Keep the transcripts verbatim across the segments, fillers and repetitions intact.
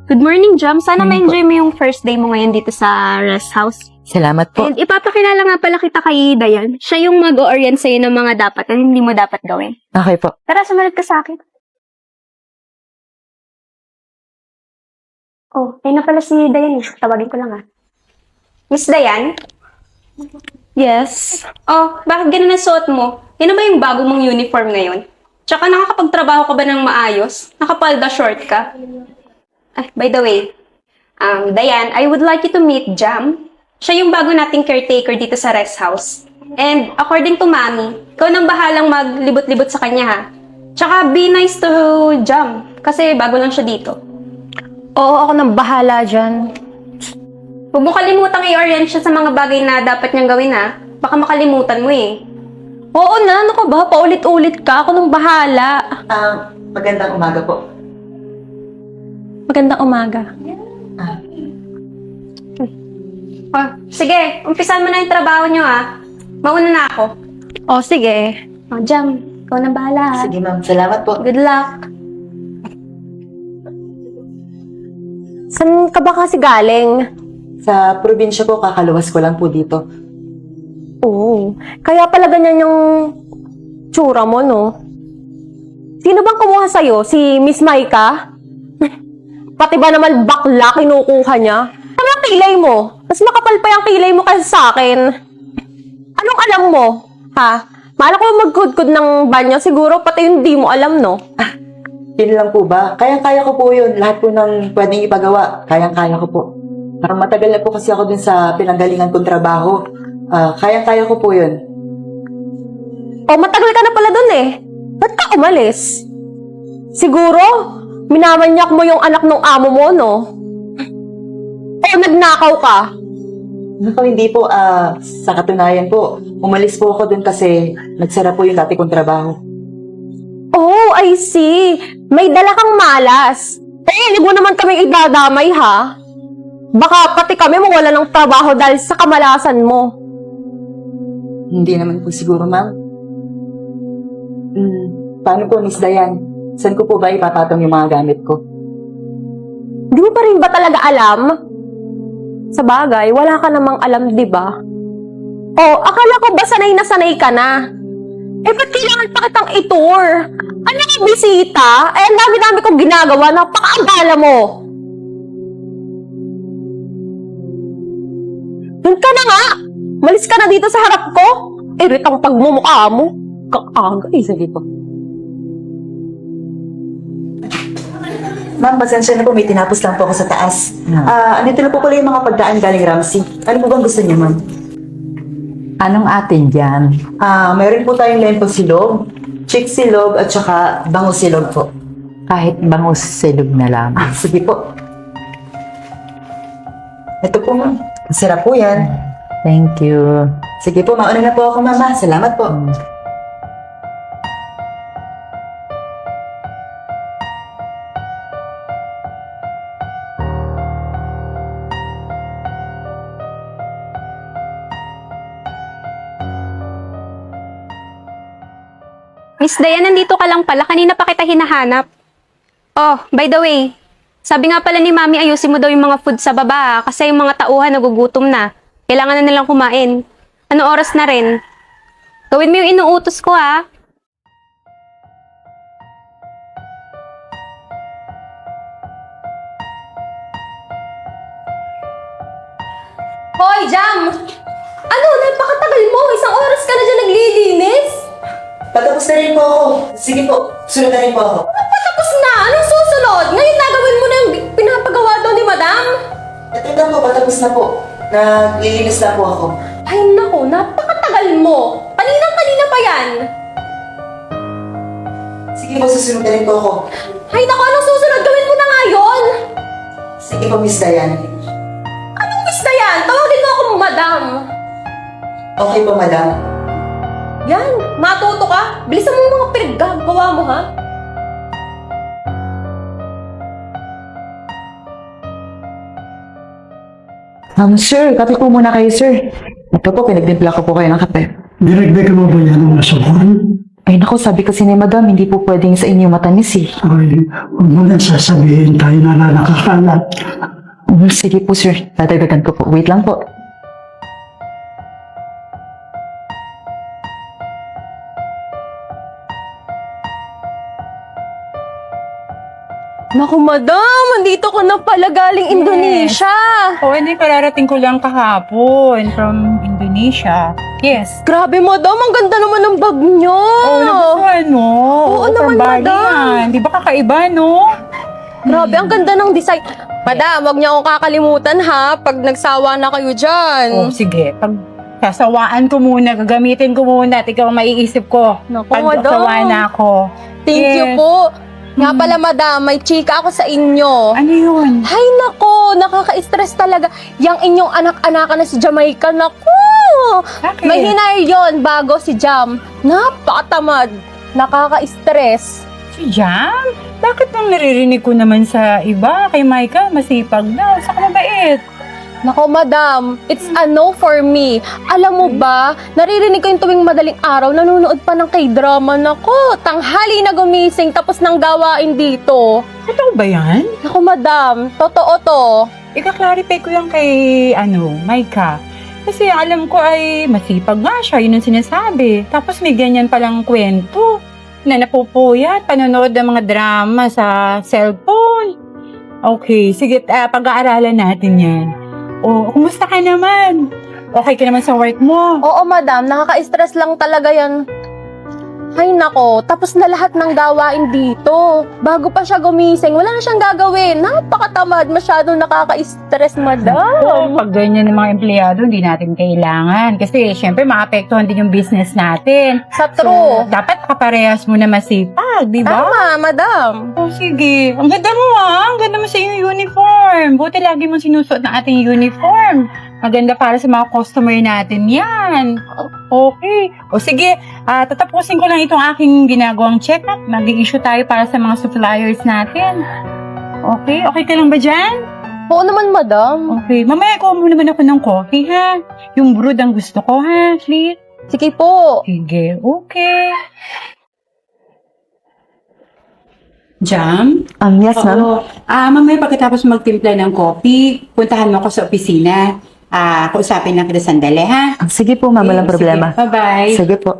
Good morning, Jam. Sana Morning ma-enjoy mo yung first day mo ngayon dito sa rest house. Salamat po. And ipapakilala nga pala kita kay Dayan. Siya yung mag-o-orient sa'yo ng mga dapat at hindi mo dapat gawin. Okay po. Tara, sumunod ka sa akin. Oh, ayun na pala si Dayan. Tawagin ko lang ah. Miss Dayan? Yes. Oh, bakit ganun ang suot mo? Yan na ba yung bago mong uniform ngayon? Tsaka nakakapagtrabaho ka ba ng maayos? Nakapalda short ka? Ay, by the way, um, Dayan, I would like you to meet Jam. Siya yung bago nating caretaker dito sa rest house. And according to Mami, ikaw nang bahalang maglibot-libot sa kanya ha. Tsaka be nice to Jam, kasi bago lang siya dito. Oo, ako nang bahala dyan. Huwag mo kalimutang i-orient siya sa mga bagay na dapat niyang gawin ha. Baka makalimutan mo eh. Oo na, ano ka ba? Paulit-ulit ka. Ako nang bahala. Ah, magandang umaga po. Magandang umaga. Oh, sige, umpisan mo na yung trabaho niyo ha. Mauna na ako. O, sige. Oh, Jam, ikaw na bahala ha. Sige ma'am, salamat po. Good luck. Saan ka ba kasi galing? Sa probinsya po, kakaluwas ko lang po dito. Oo. Kaya pala ganyan yung tsura mo, no? Sino bang kumuha sa'yo? Si Miss Maika? Pati ba naman bakla kinukuha niya? Ano ang kilay mo? Mas makapal pa yung kilay mo kasi sa akin. Anong alam mo? Ha? Maala ko magkudkod ng banyo. Siguro pati yung di mo alam, no? Yun lang po ba? Kayang-kaya ko po yun. Lahat po ng pwedeng ipagawa. Kayang-kaya ko po. Parang matagal na po kasi ako dun sa pinanggalingan kong trabaho. Ah, kayang-kaya ko po yun. O, matagal ka na pala dun eh. Ba't ka umalis? Siguro, minamanyak mo yung anak ng amo mo, no? O, nagnakaw ka? Naku, hindi po. Ah, sa katunayan po, umalis po ako dun kasi nagsara po yung dati kong trabaho. Oh, I see. May dala kang malas. Eh, hindi mo naman kami idadamay, ha? Baka pati kami mawala ng trabaho dahil sa kamalasan mo. Hindi naman po siguro, ma'am. Hmm, paano po, Miss Dayan? Saan ko po ba ipapatong yung mga gamit ko? Di mo pa rin ba talaga alam? Sa bagay, wala ka namang alam, di ba? Oh, akala ko ba sanay na sanay ka na? Eh, ba't kailangan pa kitang itour? Ano yung bisita? Eh, ang dami-dami kong ginagawa, napakaabala mo. Doon ka na nga! Malis ka na dito sa harap ko! Iritang pagmumukha mo. Kakaga eh. Sige po. Ma'am, pasensya na po. May tinapos lang po ako sa taas. Ah, andito na po pala yung mga pagdaan galing Ramsey. Ano po bang gusto niyo, ma'am? Anong atin dyan? Ah, mayroon po tayong lempo silog, chick silog, at saka bango silog po. Kahit bangus silog na lang. Ah, sige po. Ito po, ma'am. Masarap po yan. Thank you. Sige po, mauna na po ako, mama. Salamat po. Miss Dayan, nandito ka lang pala. Kanina pa kita hinahanap. Oh, by the way, sabi nga pala ni Mami, ayusin mo daw yung mga food sa baba kasi yung mga tauhan nagugutom na. Kailangan na nilang kumain. Ano oras na rin? Gawin mo yung inuutos ko ha. Hoy, Jam! Ano? Napakatagal mo! Isang oras ka na dyan naglilinis! Patapos na rin po ako. Sige po, sunod na rin po ako. Patapos na! Anong susunod? Ngayon nagawin mo na yung pinapagawa daw ni Madam? Ito na po, patapos na po. Naglilinis na po ako. Ay nako, napakatagal mo! Kaninang-kanina pa yan! Sige po, susunod na rin po ako. Ay nako, anong susunod? Gawin mo na nga yun! Sige po, Miss Dayan. Anong miss na yan? Tawagin mo akong Madam! Okay po, madam. Yan, matuto ka. Bilisan mo yung mga pinaggagawa mo, ha? Um, sir, kape po muna kayo, sir. Ito po, pinagdimpla ko po kayo ng kape. Dinagdagan mo ba yan ng nasukan? Ay naku, sabi kasi ni madam, hindi po pwedeng sa inyo matamis eh. Ay, huwag mo nang sasabihin tayo na na nakakalat. Mm, sige po sir, dadagdagan ko po. Wait lang po. Naku, madam, andito ko na pala galing Indonesia. Oo, hindi, kararating ko lang kahapon from Indonesia. Yes. Grabe, madam, ang ganda naman ng bag nyo. Oo, nagustuhan mo. Oo naman, from Bali madam. yan. Di ba kakaiba, no? Grabe, ang ganda ng design. Madam, wag niyo akong kakalimutan ha, pag nagsawa na kayo dyan. Oo, sige. Pag sasawaan ko muna, gagamitin ko muna at ikaw ang maiisip ko. Naku, Pag madam. sawa na ako. Thank you Yes. po. Nga pala, madam, may chika ako sa inyo. Ano yun? Hay nako, nakaka-stress talaga. Yang inyong anak-anakan na si Jamaica, nako. Bakit? May hinire yon bago si Jam. Napakatamad. Nakaka-stress. Si Jam? Bakit nang naririnig ko naman sa iba? Kay Micah, masipag daw. Saka mabait. Nako, madam, it's a no for me. Alam mo ba, naririnig ko yung tuwing madaling araw, nanonood pa ng K-drama. Nako, tanghali na gumising tapos nang gawain dito. Totoo ba yan? Nako, madam, totoo to. Ika-clarify ko yan kay, ano, Micah. Kasi alam ko ay masipag nga siya, yun ang sinasabi. Tapos may ganyan palang kwento na napupuyat, panonood ng mga drama sa cellphone. Okay, sige, ah, pag-aaralan natin yan. O, kumusta ka naman? Okay ka naman sa work mo? Oo, madam, nakaka-stress lang talaga yan. Hay nako, tapos na lahat ng gawain dito. Bago pa siya gumising, wala na siyang gagawin. Napakatamad, masyadong nakaka-stress, Oo, madam. pag ganyan ng mga empleyado, hindi natin kailangan. Kasi, syempre, maapektuhan din yung business natin. Sa true. Dapat kaparehas mo na masipag, di ba? Tama, madam. Oh, sige. Ang ganda mo ah. Ang ganda mo sa iyong uniform. Buti lagi mong sinusuot ng ating uniform. Maganda para sa mga customer natin yan. Okay. O sige, ah, tatapusin ko lang itong aking ginagawang check-up. Mag-i-issue tayo para sa mga suppliers natin. Okay? Okay ka lang ba dyan? Oo naman, madam. Okay. Mamaya ko muna naman ako ng coffee, ha? Yung brewed ang gusto ko, ha? Please? Sige po. Sige. Okay. Jam? Um, yes ma'am. Oo. Ah, mamaya pagkatapos magtimpla ng coffee, puntahan mo ako sa opisina. Ah, kausapin lang kita sandali, ha? Ah, sige po ma'am, walang Sige, problema. Bye-bye. Sige po.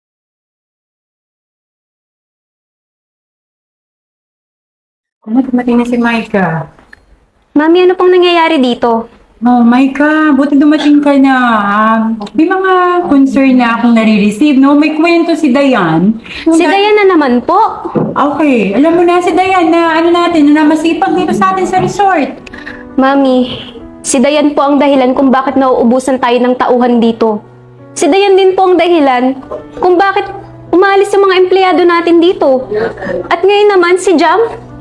Kung dumating na si Micah. Mami, ano pong nangyayari dito? Oh, Micah, buti dumating ka na. Ah, may mga concern na akong nare-receive, no? May kwento si Dayan. Si Dayan na naman po. Okay, alam mo na si Dayan na ano natin, na masipag dito sa atin sa resort. Mami, si Dayan po ang dahilan kung bakit nauubusan tayo ng tauhan dito. Si Dayan din po ang dahilan kung bakit umalis yung mga empleyado natin dito. At ngayon naman si Jam.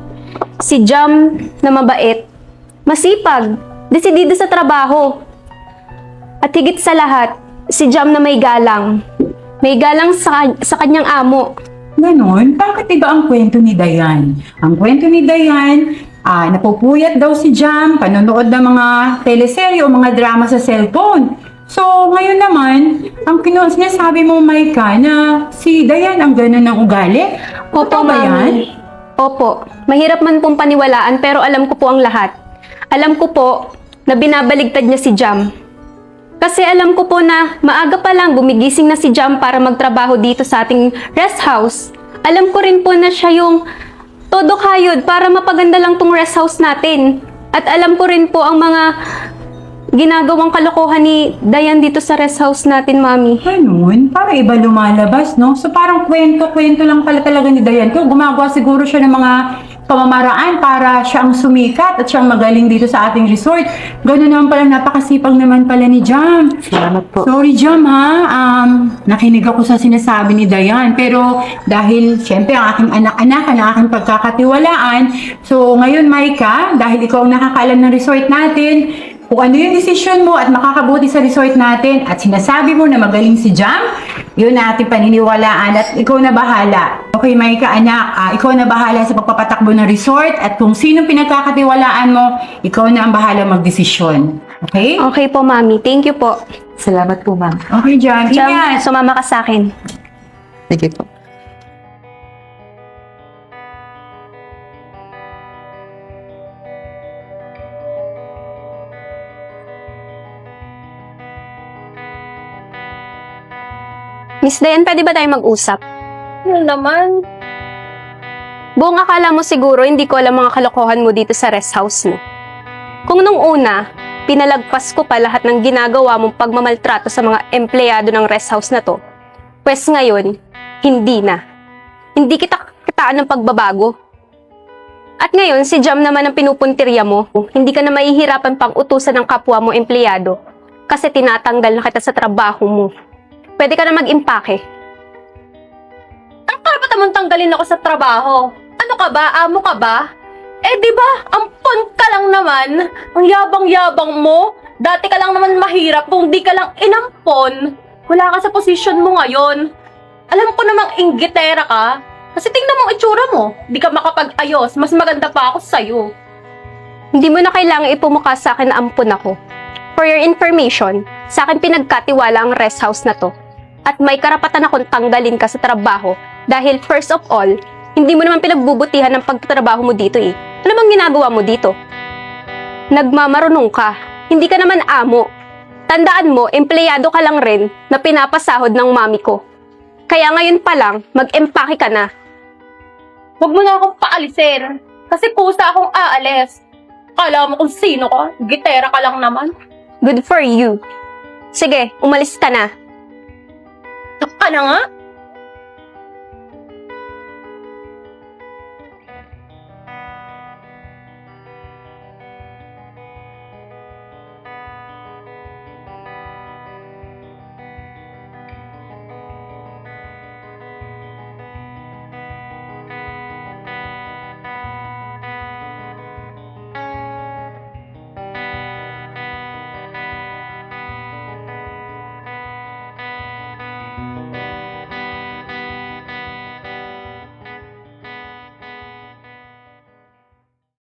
Si Jam na mabait, masipag, desidido sa trabaho. At higit sa lahat, si Jam na may galang. May galang sa, sa kanyang amo. Ganon? Bakit iba ang kwento ni Dayan? Ang kwento ni Dayan, ah, napupuyat daw si Jam, panonood ng mga teleserye o mga drama sa cellphone. So, ngayon naman, ang kinu- sinasabi mo, Micah, na si Dayan ang ganon ng ugali? Totoo ba yan? Mami. Opo. Mahirap man pong paniwalaan pero alam ko po ang lahat. Alam ko po na binabaligtad niya si Jam. Kasi alam ko po na maaga pa lang gumigising na si Jam para magtrabaho dito sa ating rest house. Alam ko rin po na siya yung todo kayod para mapaganda lang tong rest house natin. At alam ko rin po ang mga ginagawang kalokohan ni Dayan dito sa rest house natin, Mami. Ganun? Para iba lumalabas, no? So parang kwento-kwento lang pala talaga ni Dayan. Kung gumagawa siguro siya ng mga pamamaraan para siya ang sumikat at siyang magaling dito sa ating resort. Ganun naman pala, napakasipag naman pala ni Jam. Salamat po. Sorry, Jam, ha? Um, nakinig ako sa sinasabi ni Dayan. Pero dahil, syempre, ang aking anak-anak, ang aking pagkakatiwalaan. So, ngayon, Micah, dahil ikaw ang nakakaalam ng resort natin, kung ano yung desisyon mo at makakabuti sa resort natin at sinasabi mo na magaling si Jam, yun na ating paniniwalaan at ikaw na bahala. Okay, Micah, anak, ah, ikaw na bahala sa pagpapatakbo ng resort at kung sino pinagkakatiwalaan mo, ikaw na ang bahala magdesisyon. Okay? Okay po, Mami. Thank you po. Salamat po ma'am. Okay, Jam. Jam, Ingat! sumama ka sa akin. Sige po. Miss Dayan, pwede ba tayo mag-usap? Yun naman. Buong akala mo siguro hindi ko alam mga kalokohan mo dito sa rest house mo. Kung nung una, pinalagpas ko pa lahat ng ginagawa mong pagmamaltrato sa mga empleyado ng rest house na to, pwes ngayon, hindi na. Hindi kita kitaan ng pagbabago. At ngayon, si Jam naman ang pinupuntirya mo. Hindi ka na mahihirapan pang utusan ng kapwa mo empleyado kasi tinatanggal na kita sa trabaho mo. Pwede ka na mag-impake. Ang karapatan mong tanggalin ako sa trabaho. Ano ka ba? Amo ka ba? Eh di ba, ampon ka lang naman. Ang yabang-yabang mo. Dati ka lang naman mahirap kung di ka lang inampon. Wala ka sa posisyon mo ngayon. Alam ko namang inggitera ka. Kasi tingnan mo ang itsura mo. Di ka makapag-ayos. Mas maganda pa ako sa'yo. Hindi mo na kailangang ipumukha sa akin na ampun ako. For your information, sa akin pinagkatiwala ang rest house na to. At may karapatan akong tanggalin ka sa trabaho dahil first of all, hindi mo naman pinagbubutihan ng pagtatrabaho mo dito eh. Ano bang ginagawa mo dito? Nagmamarunong ka. Hindi ka naman amo. Tandaan mo, empleyado ka lang rin na pinapasahod ng mami ko. Kaya ngayon pa lang, mag-empake ka na. Huwag mo na akong paalisin. Kasi kusa akong aalis. Kala mo kung sino ka? Gitera ka lang naman. Good for you. Sige, umalis ka na. Ka na nga?